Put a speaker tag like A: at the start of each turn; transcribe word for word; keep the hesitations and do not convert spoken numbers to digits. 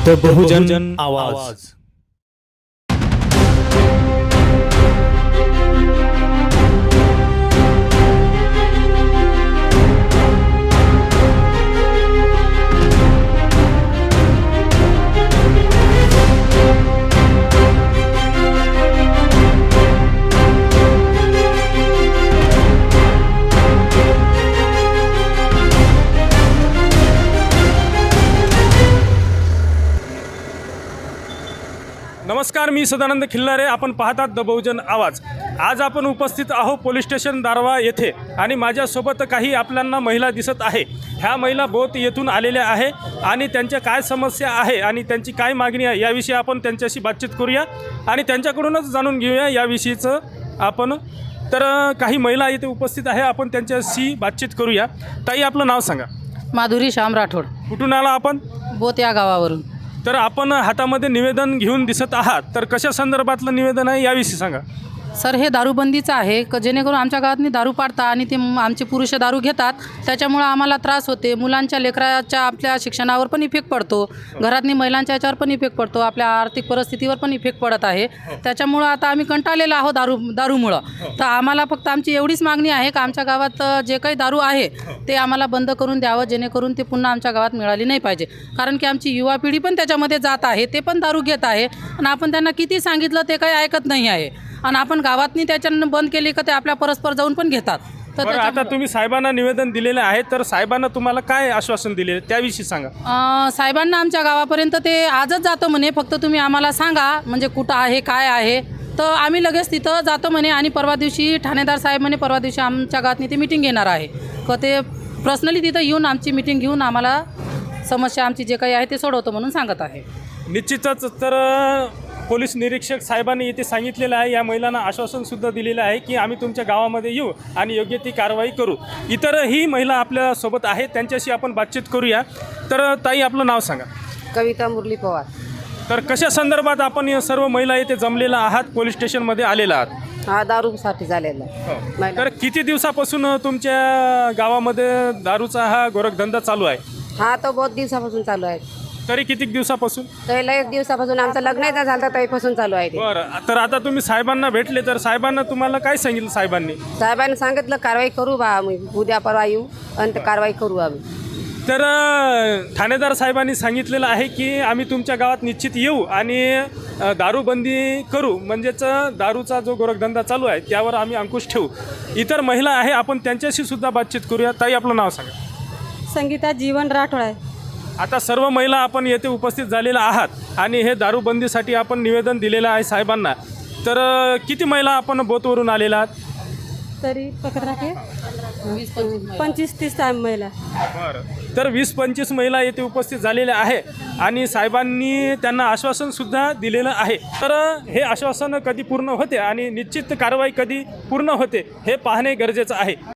A: The बहुजन आवाज।
B: नमस्कार, मी सदानंद खिल्लारे। आपण पाहतात द बहुजन आवाज। आज आपण उपस्थित आहो पोलीस स्टेशन दारवा येथे आणि माझ्यासोबत काही आपल्याला महिला दिसत आहे। ह्या महिला बोथ येथून आलेल्या आहे आणि त्यांच्या काय समस्या आहे आणि त्यांची काय मागणी आहे याविषयी आपण त्यांच्याशी बातचीत करूया आणि त्यांच्याकडूनच जाणून घेऊया याविषयीचं आपण। तर काही महिला इथे उपस्थित आहे, आपण त्यांच्याशी बातचीत करूया। ताई, आपलं नाव सांगा।
C: माधुरी श्याम राठोड।
B: कुठून आला आपण?
C: बोत या गावावरून।
B: तर आपण हातामध्ये निवेदन घेऊन दिसत आहात, तर कशा संदर्भातलं निवेदन आहे याविषयी सांगा।
C: सर, हे दारूबंदीचं आहे क जेणेकरून आमच्या गावातनी दारू पाडतात आणि ते आमचे पुरुष दारू घेतात, त्याच्यामुळं आम्हाला त्रास होते। मुलांच्या लेकराच्या आपल्या शिक्षणावर पण इफेक्ट पडतो, घरातनी महिलांच्या याच्यावर पण इफेक्ट पडतो, आपल्या आर्थिक परिस्थितीवर पण इफेक्ट पडत आहे। त्याच्यामुळं आता आम्ही कंटाळलेलो आहोत दारू दारूमुळं। तर आम्हाला फक्त आमची एवढीच मागणी आहे की आमच्या गावात जे काही दारू आहे ते आम्हाला बंद करून द्यावं, जेणेकरून ते पुन्हा आमच्या गावात मिळाली नाही पाहिजे। कारण की आमची युवा पिढी पण त्याच्यामध्ये जात आहे, ते पण दारू घेत आहे आणि आपण त्यांना किती सांगितलं ते काही ऐकत नाही आहे आणि आपण गावातनी त्याच्यानं बंद केली का ते आपल्या परस्पर जाऊन पण घेतात। तर
B: बरं, आता तुम्ही साहेबांना निवेदन दिलेले आहे, तर साहेबांना तुम्हाला काय आश्वासन दिले त्याविषयी सांगा।
C: अं, साहेबांना आमच्या गावापर्यंत ते आजच जातो म्हणे, फक्त तुम्ही आम्हाला सांगा म्हणजे कुठं आहे काय आहे, तर आम्ही लगेच तिथं जातो म्हणे। आणि परवा दिवशी ठाणेदार साहेब म्हणे परवा दिवशी आमच्या गावातनी ते मीटिंग घेणार आहे, का ते पर्सनली तिथं येऊन आमची मीटिंग घेऊन आम्हाला समस्या आमची जे काही आहे ते सोडवतो म्हणून सांगत आहे।
B: निश्चितच तर पोलीस निरीक्षक साहेबांनी इथे सांगितलेलं आहे, या महिलांना आश्वासनसुद्धा दिलेलं आहे की आम्ही तुमच्या गावामध्ये येऊ आणि योग्य ती कारवाई करू। इतरही महिला आपल्यासोबत आहेत, त्यांच्याशी आपण बातचीत करूया। तर ताई, आपलं नाव सांगा।
D: कविता मुरली पवार।
B: तर कशा संदर्भात आपण या सर्व महिला इथे जमलेला आहात, पोलीस स्टेशनमध्ये आलेला आहात?
D: हा दारूसाठी झालेला आहे।
B: तर किती दिवसापासून तुमच्या गावामध्ये दारूचा हा गोरखधंदा चालू आहे?
D: हा तो बहुत दिवसापासून चालू आहे।
B: तरी किती दिवसापासून?
D: पहिला एक दिवसापासून आमचं लग्न झालं तर त्यापासून चालू आहे ते।
B: बरं, तर आता तुम्ही साहेबांना भेटले, तर साहेबांना तुम्हाला काय सांगितलं? साहेबांनी
D: साहेबांनी सांगितलं कारवाई करू बा, आम्ही उद्या परवा येऊ आणि ते कारवाई करू आम्ही।
B: तर ठाणेदार साहेबांनी सांगितलेलं आहे की आम्ही तुमच्या गावात निश्चित येऊ आणि दारूबंदी करू, म्हणजेच दारूचा जो गोरखधंदा चालू आहे त्यावर आम्ही अंकुश ठेवू। इतर महिला आहे, आपण त्यांच्याशी सुद्धा बातचीत करूया। ताई, आपलं नाव सांगा।
E: संगीता जीवन राठोड आहे।
B: आता सर्व महिला आपण येथे उपस्थित झालेल्या आहात आणि हे दारूबंदीसाठी आपण निवेदन दिलेलं आहे साहेबांना। तर किती महिला आपण बोतवरून आलेला आहात?
E: तरी पकड राखे पंचवीस तीस महिला।
B: बरं, तर वीस पंचवीस महिला येथे उपस्थित झालेल्या आहे आणि साहेबांनी त्यांना आश्वासनसुद्धा दिलेलं आहे। तर हे आश्वासन कधी पूर्ण होते आणि निश्चित कारवाई कधी पूर्ण होते हे पाहणे गरजेचं आहे।